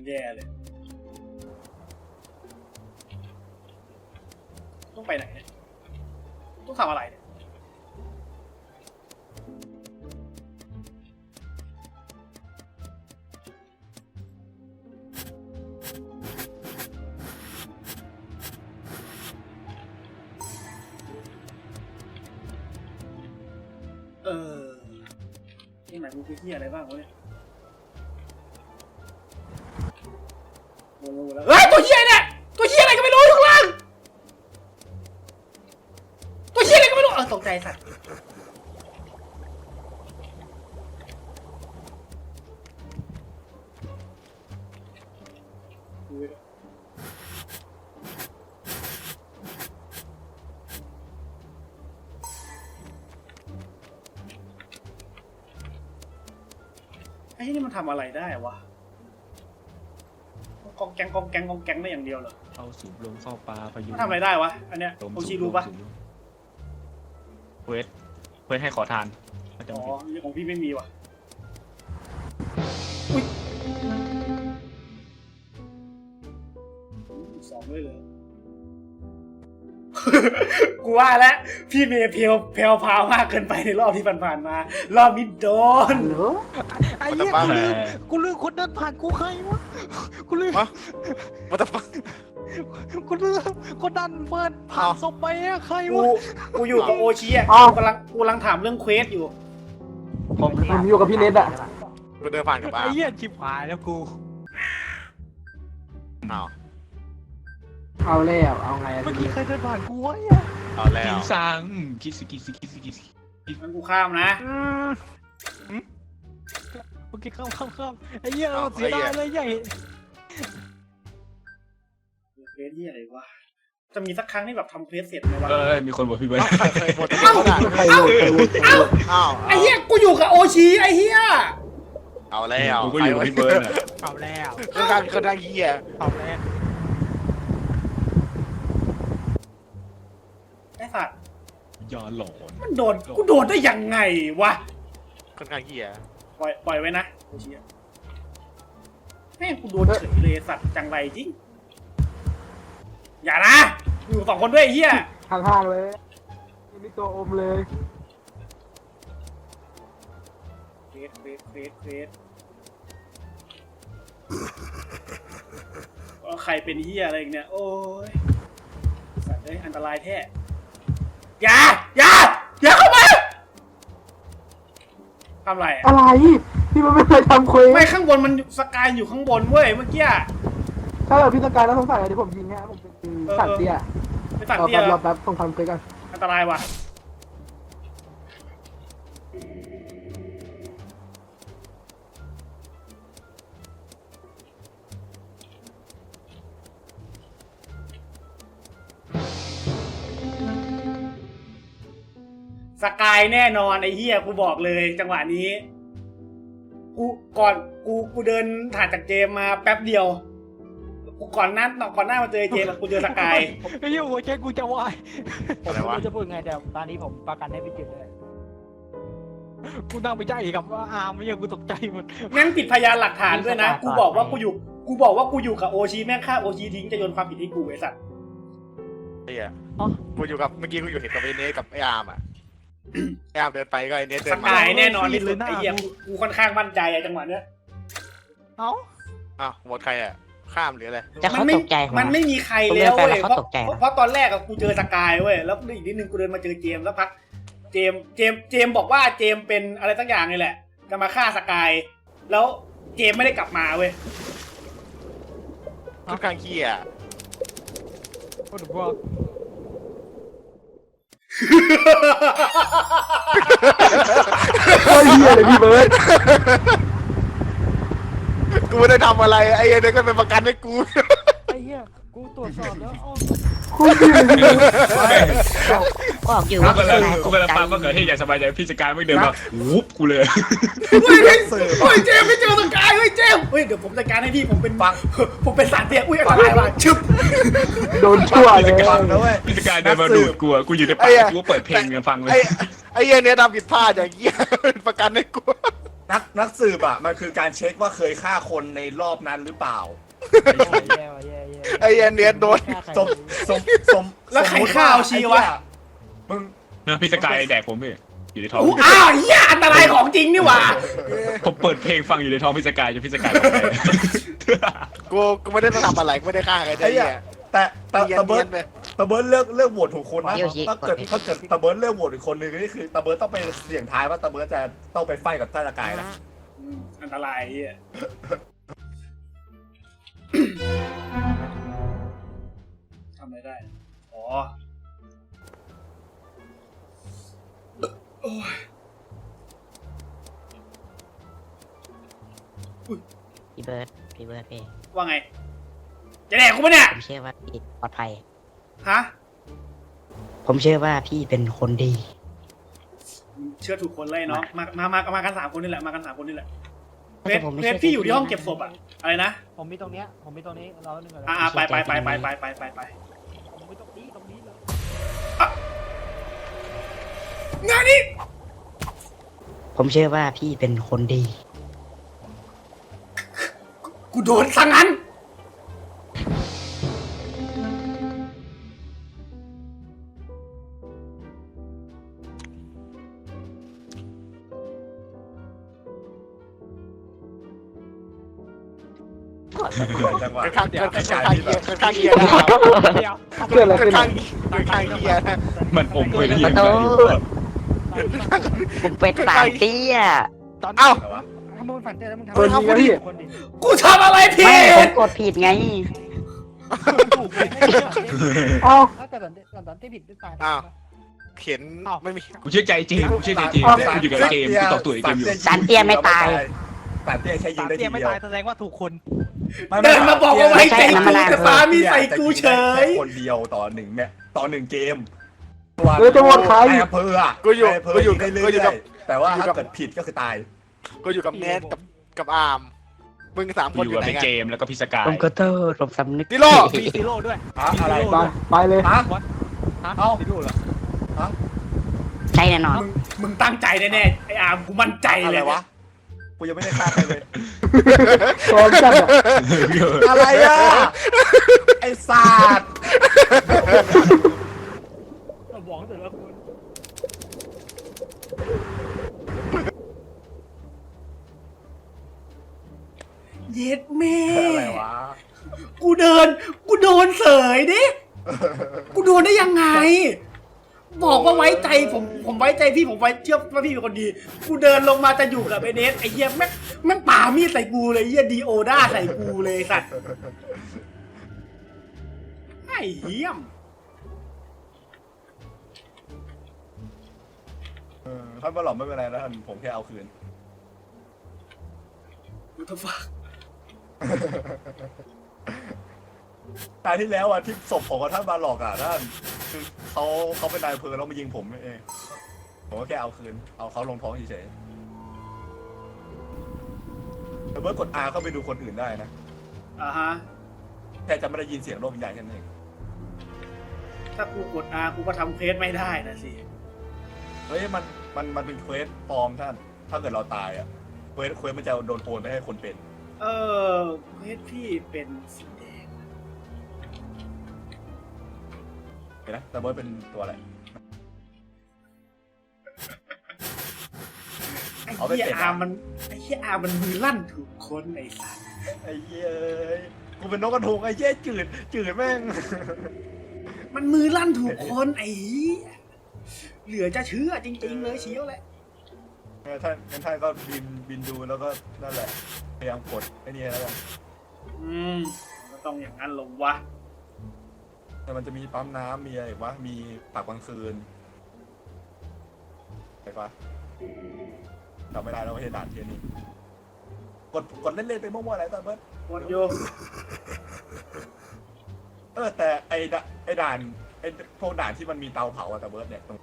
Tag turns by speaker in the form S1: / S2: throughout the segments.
S1: แย่เลยต้องไปไหนเนี่ยต้องทำอะไรเนี่ยที่ไหนกูไปที่อะไรบ้างวะเนี่ยโอ้โหแล้วเฮ้ยตัวเหี้ยเนี่ยตัวเหี้ยอะไรก็ไม่รู้อยู่ข้างล่างตัวเหี้ยอะไรก็ไม่รู้ตกใจสัตว์ไอ้นี่มันทำอะไรได้วะกองแกงกองแกงกองแกงได้อย่างเดียวเหรอ
S2: เข้าสูบลมเข้าปลาพายุ
S1: มันทำอะไรได้วะอันเนี้ยโอชิรู้ปะ
S2: เควสให้ขอทาน
S1: อ๋อของพี่ไม่มีว่ะอุ้ยสองด้วยเลยกูว่าแล้วพี่เมย์เพลพาวมากเกินไปในรอบที่ผ่านๆมารอบนี้โดน
S3: ไอ้เหี้ยกูลืมคนเดินผ่านกูใครวะกูลืม
S4: มาตะฟัง
S3: กูลืมคนดันเปิดผ่านศพไปอะใครวะ
S1: กูอยู่กับโอชิอ่ะกูกำลังถามเรื่องเควสอยู่
S5: ผมอยู่กับพี่เน็ตอะ
S4: กูเดินผ่านกับบ้า
S3: ไอ้เหี้ยชิบหายแล้วกู
S5: เอาแล้วเอาไง
S3: เมื่อกี้ใครเดินผ่านกูวะ
S4: เอาแล้ว
S2: กินซังคิส
S1: มันกูข้ามนะ
S3: โอเคข้ามไอ้เหี้ยเสียดายเลยใหญ่
S1: เควสที่อะไรวะจะมีสักครั้งที่แบบทำเควสเสร็จไหมวะ
S2: มีคนบอกพี่เบิร์ด
S5: ใครโหวต
S1: ไอ้เหี้ยกูอยู่กับโอชิไอ้เหี้ย
S4: เอาแล้ว
S2: กูก็อยู่กับพี่เบิร์ด
S3: เอาแล้ว
S4: คนดังเหี้ย
S3: เอาแล้ว
S1: ไอ้สัตว์
S2: ยาหลอน
S1: มันโดนกูโดนได้ยังไงวะ
S4: คนดังเหี้ย
S1: ปล่อยไว้นะโอชิแม่งกูโดนเฉยเลยสัตว์จังไรจริงอย่านะอยู่สองคนด้วยไอ้เหี้ย
S5: ห่างๆเลยนี่ตัวอมเลย
S1: เฟสใครเป็นเหี้ยอะไรอีกเนี่ยโอ้ยสัตว์เลยอันตรายแท้อย่าเข้ามาทำอะไร
S5: อะไรพี่มันไม่เคยทำเควส
S1: ไม่ข้างบนมันสกายอยู่ข้างบนเว้ยเมื่อกี้
S5: ถ้าเราพี่สกายแล้วสงสัยอะไรที่ผมยิงเนี่ยผมเป็นสัตว์เตี้ย
S1: เป็นสัตว์เตี้ย
S5: รอแป๊บต้องทำเควสกัน
S1: อันตรายว่ะสกายแน่นอนไอ้เหี้ยกูบอกเลยจังหวะนี้กูเดินถ่ายจากเจมมาแป๊บเดียวกูก่อนหน้ามาเจอเจมกูเจอสกาย
S3: ไอ้เหี้ยหัวใจกูจะวาย
S4: ผม
S3: จะพูดไงแต่ตอนนี้ผมประกันให้พี่จิ๋วเลยกูนั่งไปใจกับว่าอาร์มไม่ยังกูตกใจหมด
S1: แม่งปิดพยานหลักฐานด้วยนะกูบอกว่ากูอยู่กับโอชิแม่งฆ่าโอชิทิ้งจะโยนความผิดให้กูไอ้สัตว์
S4: เหี้ยกูอยู่กับเมื่อกี้กูอยู่เห็นกับไอ้เนสกับไอ้อาร์มอ่ะไอ้อาร์มเดินไปก็ไอ้เนสเดินมา
S1: สกายแน่นอนที่สุดไอ้เหี้ยกูค่อนข้างมั่นใจจังหวะเนี้ย
S4: หมดใครอ่ะข้ามหรืออะไร
S6: จะเขาตกใจ
S1: มันไม่มีใครแล้วเว้ยเพราะตอนแรกกูเจอสกายเว้ยแล้วอีกนิดนึงกูเดินมาเจอเจมแล้วพักเจมบอกว่าเจมเป็นอะไรสักอย่างนี่แหละจะมาฆ่าสกายแล้วเจมไม่ได้กลับมาเว้ย
S4: ค่อนข้างเหี้ย
S3: โอ้โหว่า
S5: โคตรเหี้ยเลยพี่เบิร์ด
S4: กูไม่ได้ทำอะไรไอ้เด็กก็เป็นประกันให้กู
S3: ไอ้เหี้ยกูตรวจสอบแล้ว
S5: โคตรเหี้ยเลย
S6: บอกอยู่ว่า
S2: กูกำลังฟังว่าเกิดที่อยากสบายใจพี่สกายไม่เดินมาวุบกูเลย
S1: เฮ้ยเจมไม่เจอสกายเฮ้ยเจมเดี๋ยวผมจัดการให้พี่ผมเป็นสารเตี้ยอุ้ยอันตรายว่ะชึบ
S5: โดนชั่วเลย
S2: พี่สกายเดินมาดูดกูอยู่ในป่ากูเปิดเพลงกันฟังเลย
S4: ไอ้เหี้ยเนี่ยทำผิดพลาดอย่างเงี้ยประกันให้กู
S7: นักสืบอ่ะมันคือการเช็คว่าเคยฆ่าคนในรอบนั้นหรือเปล่า
S3: แย่ว่ะแย่
S4: ไอ้เนียนโดน
S7: สมสม
S1: แล้วใครฆ่าเอาชีวะ
S7: มึง
S2: นะพี่สกายแดกผมพี่อยู่ในท้อง
S1: อ้าวเหี้ยอันตรายของจริงนี่หว่า
S2: ผมเปิดเพลงฟังอยู่ในท้องพี่สกายจนพี่สกายบอกไป
S4: กูไม่ได้ทำอะไรกูไม่ได้ฆ่าใครได้เนี่ย
S7: แต่
S4: เนีย
S7: ตะเบิร์
S4: น
S7: ด
S4: ไป
S7: ตะเบิร์ดเลือกโหวตถูกคนนะถ้าเกิดตะเบิร์ดเลือกโหวตอีกคนนึงนี่คือตะเบิร์ดต้องไปเสี่ยงทายว่าตะเบิร์ดจะต้องไปไฟกับท่านสกายนะ
S1: อันตรายเหี้ยทำอะไรได้อ๋อโอ้ย
S6: พี่เบิร์ดพี่
S1: ว่าไงจะแดกกูปะเนี่ย
S6: ผมเชื่อว่าพี่ปลอดภัย
S1: ฮะ
S6: ผมเชื่อว่าพี่เป็นคนดี
S1: เชื่อถูกคนเลยเนาะมากัน3 คนนี่แหละมากัน3 คนนี่แหละ
S6: แต่ผมไม่
S1: เพ
S6: เชื่
S1: ช
S6: อ
S1: รพี่อยู่ที่ห้องเก็บศพอะอะไรนะ
S3: ผมมีตรงเนี้ยเราหนึ่งก่อน
S1: ไป
S3: ผมมีตรงนี้เลย
S1: งานนี้
S6: ผมเชื่อว่าพี่เป็นคนดี
S1: กูโดนซะงั้น
S7: จังหวะ
S4: ข้างเดียวข้างเดียว
S3: เดี๋ยว
S5: เกิดอะไรขึ้น
S4: ข้างเดียวนะ
S2: มันอมไปเรียน
S6: ขอโทษ ผมเป็นสายเตี้ย
S3: ตอน
S4: เอ้า
S3: ถ้ามึงฝันเจอแล้วมึงทำ
S5: คนดีนะพี่
S3: คนดี
S1: กูทำอะไรผิ
S6: ไม่ผม
S1: ด
S6: กดผิดไง
S3: ถูกเลยไม่เชื่อ
S5: เอ้า
S3: ถ้าแต่ตอนที่ผิดด้วยตาย
S4: อ้าวเขียนไม่มี
S2: กูเชื่อใจจริงกูเชื่อใจจริงกูอยู่กับเกมกูต่อตัวเกมอยู่
S6: สารเตี้ยไม่ตาย
S7: สารเตี้ยใช้ยิ
S3: สาง ม
S7: ได้
S3: เตี้
S7: ที
S3: ยไม่
S7: เดียว
S3: ตายแสดงว่าถูกคน
S1: เดินมาบอกว่าไว้ใจกูแต่ฟ้ามีใส่กูเฉย
S7: คนเดียวต่อ1เนี่ยต่อ1เกม
S5: แล้วจะโหวตใคร
S7: นายอำเภออะ
S4: กูอยู่
S7: นายอำเภอ
S4: กูอยู่
S7: ได้เรื่
S4: กูอยู่
S7: อ
S4: กับ
S7: ยๆแต่ว่าถ้าเกิดผิดก็คือตาย
S4: กูอยู่กับเนทกับอาร์มมึง3 คน
S2: อ
S4: อยู่ ยู่
S2: กับ
S4: ไหน
S2: พี่
S4: กัน
S2: เกมแล้วก็พี่สกาย
S6: ผมขอโทษผมสำนึก
S4: ดิโล
S3: มีซีโร่ด้วย
S7: อะไร
S5: ไปเลย
S7: ฮะ
S3: ฮะ
S7: เอ้า
S3: ซีโร่เหรอ
S6: ใช่แน่นอน
S1: มึงตั้งใจแน่ๆไอ้อาร์มกูมั่นใจ
S7: อะ
S1: เล
S7: ไร
S1: ยว
S7: ะกูยังไม่ได้ฆ่าใครเลย
S5: พร้อมกันอะ
S7: อะไรอ่ะไอ้ศาสตร์
S3: บอกแต่ละคน
S1: เย็ดแม่
S7: อะไรวะ
S1: กูโดนเสยดิ กูโดนได้ยังไง บอกว่าไว้ใจผมไว้ใจพี่ผมไว้เชื่อว่าพี่เป็นคนดี กูเดินลงมาจะอยู่กับไอ้เนสไอ้เหี้ยแม่งป่ามีดใส่กูเลยไอ้เหี้ยดีโอด้าใส่กูเลยสัตว์ไอ้เหี้ยม
S7: ท่านมาหลอมไม่เป็นไรนะท่านผมแค่เอาคืน
S1: กูจะฟัง
S7: ตายที่แล้วอ่ะที่ศพของท่านมาหลอกอ่ะท่านคือเขาเป็นนายอำเภอแล้วมายิงผมเองผมก็แค่เอาคืนเอาเขาลงท้องเฉยๆแต่เมื่อกด R เข้าไปดูคนอื่นได้นะ
S1: อ่าฮะ
S7: แต่จะไม่ได้ยินเสียงโลกวิญญาณแค่นั้นเอง
S1: ถ้ากูกดอากูก็ทำเควสไม่ได้นะสิ
S7: เฮ้ยมันเป็นเควสปลอมท่านถ้าเกิดเราตายอ่ะเควสมันจะโดนโอนไปให้คนเป็น
S1: เเควสพี่เป็นสีแดง
S7: เห็นไหมแต่เบิร์ดเป็นตัวอะไร
S1: ไอ้
S7: เอาไป
S1: เหี้ย
S7: เป็น
S1: อามันไอ้เหี้ยอามันมือลั่นถูกคนไอ้สัส
S7: ไอ้เหี้ยกูเป็นนกกระทงไอ้เหี้ยจืดแม่ง
S1: มันมือลั่นถูกคนไอ้เหี้ยเหลือจะเชื่อจริงๆเลยเชียวแหละ
S7: ท่านก็บินดูแล้วก็นั่นแหละพยายามกดไอ้นี่แล้วกัน
S1: ก็ต้องอย่างนั้นลงวะ
S7: แต่มันจะมีปั๊มน้ำมีอะไรอีกวะมีปากกลางคืนใช่ปะจำไม่ได้แล้วว่าให้ด่านเทียนี่กดเล่นๆไปมั่วๆอะไรตอนเบิร์ด
S1: กดโย
S7: แต่ไอ้ด่านไอ้พวกด่านที่มันมีเตาเผาอะแต่เบิร์ดเนี่ยตรง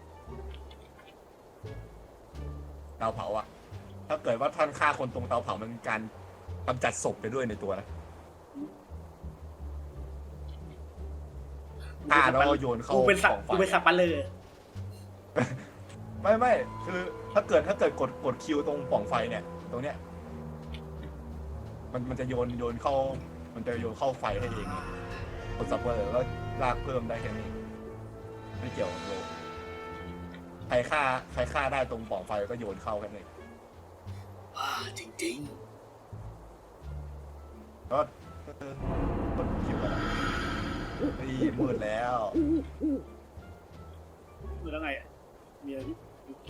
S7: เตาเผาอะถ้าเกิดว่าท่านฆ่าคนตรงเตาเผามันมีการกำจัดศพไปด้วยในตัวนะฆ่าแล้วก็โยนเข้า
S1: กูเป็นสั
S7: ก
S1: ก
S7: องไฟ
S1: กูเป็นสักปะเลย
S7: ไม่คือถ้าเกิดกดคิวตรงปล่องไฟเนี่ยตรงเนี้ยมันจะโยนเข้า มันจะโยนเข้าไฟให้เองไงกดซับเวอร์แล้วลากเพิ่มได้แค่นี้ไม่เกี่ยวกับโลกใครฆ่าได้ตรงปล่องไฟก็โยนเข้าแค่นี้
S1: ว้าจริง
S7: ก็กดคิวกันนี่มืดแล้ว
S1: ๆมือแล้วไงอะมีอะไรที่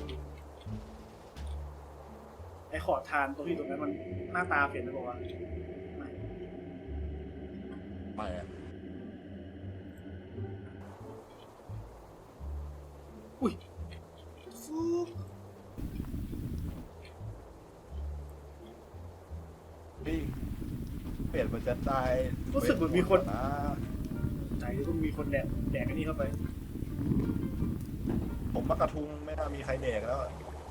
S1: ไอ้ขอทานตรงที่ตรงนั้นมันหน้าตาเปลี่ยนไปบอกว่าไม่
S7: ไม่อะ
S1: อุ้ยฟู๊
S7: นี่เปลี่ยนมันจะได้
S1: รู้สึกเหมือนมีคน
S7: นะ
S1: ใจก็มีคนแดกไอ้นี่เข้าไป
S7: ผมมักกระทุงไม่น่ามีใครแดกแล้ว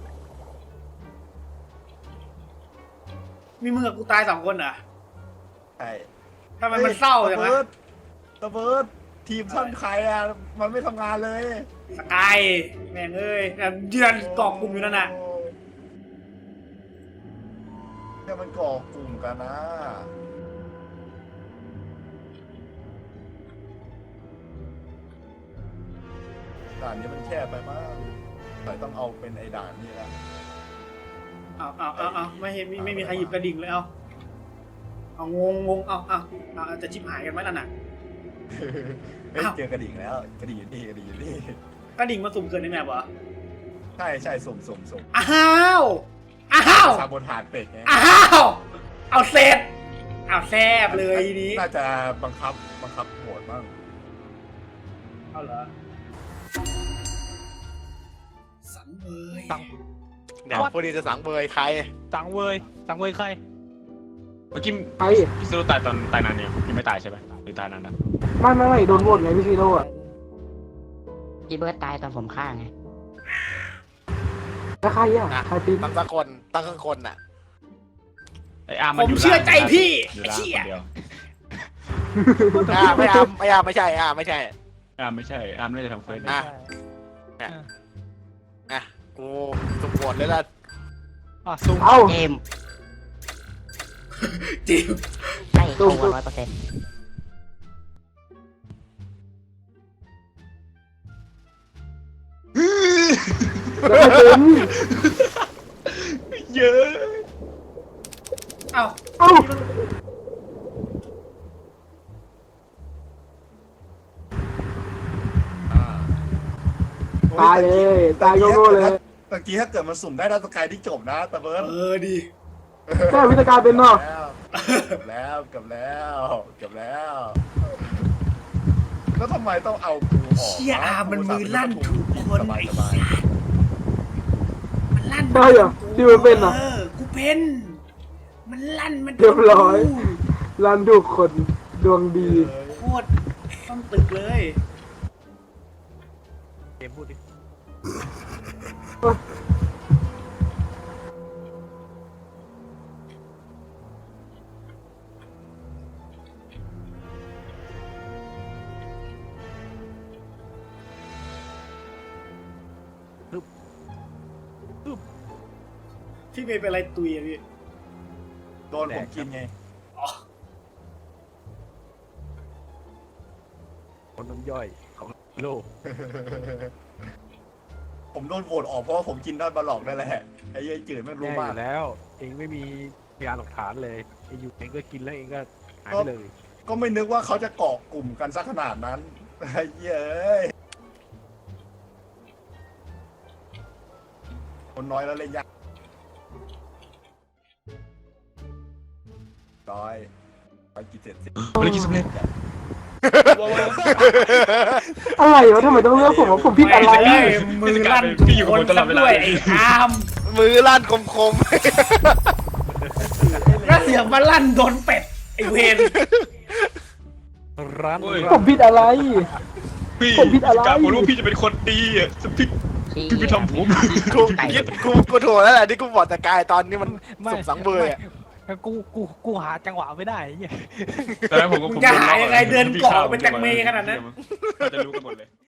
S1: มีมึงกับกูตาย2 คนเหรอ่ะ
S7: ใช่
S1: ทำไมมันเศร้าจัง
S7: ตะ
S1: วะ
S7: เบิร์ดทีมท่านใครอ่ะ มันไม่ทำงานเลย
S1: สกายแม่งเอ้ยเดือนกล่องกลุ่มอยู่นั่นน่ะ
S7: แค่มันก่อกลุ่มกันนะด่านนี้มันแคบไปมากแต่ต้องเอาเป็นไอ้ด่านนี้ละ
S1: เอาไม่เห็นไม่มีใครหยิบกระดิ่งเลยเอางงเอาจะชิบหายกันไหมล่ะน่ะ
S7: เฮ้ยเจอกระดิ่งแล้ว กระดิ่งอยู่นี่กระดิ่งอยู่นี่
S1: กระดิ่งมาสุ่มเกินในแมปเหรอ
S7: ใช่สุ่ม
S1: อ้าว
S7: ซาโบทานเป็ดไง
S1: เอาเสร็จเอาแซบเลยทีนี้
S7: น่าจะบังคับโหมดบ้าง
S1: เอาเหรอสังเวย
S3: สั่ง
S4: เดี๋ยวพวกนี้จะสังเบยใคร
S3: สั่งเวยใคร
S2: เมื่อกี้
S5: ไอ้
S2: พี่ซูโร่ตายตอนตายนานเนี่ยยังไม่ตายใช่ไหมหรือตายนานนะ
S5: ไม่โดนโหวตไงพี่ซีโร่อะ
S6: พี่เบิร์ดตายตอนผมฆ่าไง
S5: แล้วใครอ่ะ
S4: นะ
S5: ใครปีน
S4: ตั้งสักคนตั้งข้างคนน่ะ
S2: ไอ้อาร์ม
S1: ผ
S2: มัน
S1: ม
S2: อยู่
S1: เชื่อใจพี่
S2: อยู่
S1: ไอ้
S2: ล่าง
S1: เชี่ย
S2: คนเดียว
S4: ไม่ใช่
S2: อาร์มไม่ใช่อาร์มไม่ได้ทำเฟซ
S4: อ่ะ อ่ะกูสุ่มโหวตเลยละ
S3: ซุ่ม
S5: เอ้า
S6: เกม
S1: จิม
S6: ใช่เข้า
S5: สู้
S6: 100%
S5: แล้วใครเป็น
S2: เยอะ
S1: เอ้า
S5: เอ้า ตายเลยตายโง่ๆเลย
S7: เมื่อกี้ถ้าเกิดมันสุ่มได้ดาวสกายที่จบนะตะเบิร์ด
S1: ดี
S5: แม่วิทยาการเป็นเนาะ
S7: เกือบแล้วแล้วทำไมต้องเอากูออก
S1: เชี่ยอามันมือลั่นถูกคน
S7: สบา
S1: ไอ้
S7: ยสบาย
S1: มันลั่น
S5: ใช่เหรอที่มันเป็นเหรอ
S1: กูเป็นมันลั่นมัน
S5: เรียบร้อย รันถูกคนดวงดี
S1: โคตรต้องตึกเลย
S3: เกมพูดดิ
S1: พี่เมย์เป็นอะไรตุยอะพี่
S7: โดนผมกินไง
S3: คนน้ำย่อยของโลก
S7: ผมโดนโหวตออกเพราะว่าผมกินด้านบาหลอกนั่นแหละไอ้ยัยจืดไม่รู้
S3: แน่อ
S7: มาก
S3: ยู่แล้ว เองไม่มีพยานหลักฐานเลยเองอยู่เองก็กินแล้วเองก็หายไปเลย
S7: ก็ไม่นึกว่าเขาจะเกาะกลุ่มกันสักขนาดนั้นไอ้เย้ยคนน้อยแล้วเล่นยากร้อยไปกินเสร็จสิ
S2: ภารกิจสำเร็จ
S5: อะไรวะทำไมต้องเลือกผมว่าผมผิดอะไร
S1: แม่งมือลั่นถูกคนซะด้วยไอ้อาม
S4: มือลั่นคม
S1: แล้วเสียงมาลั่นโดนเป็ดไอ้เวน
S3: ร้าน
S5: ผมผิดอะไร
S2: พี่
S5: ผมผิดอะไร
S2: การผมรู้ว่าพี่จะเป็นคนดีอ่ะจะพี่ไปทำผม
S4: ๆกูถูกแล้วแหละที่กูบอกแต่กายตอนนี้มันสุ่มสังเบยอ่ะ
S3: กูหาจังหวะไม่ได้เหี้ย
S2: ตอนนั้นผมก็
S1: มึงจะหายังไงเดินเกาะเป็นแตงเมขนาดนั้น
S2: จะรู้กันหมดเลย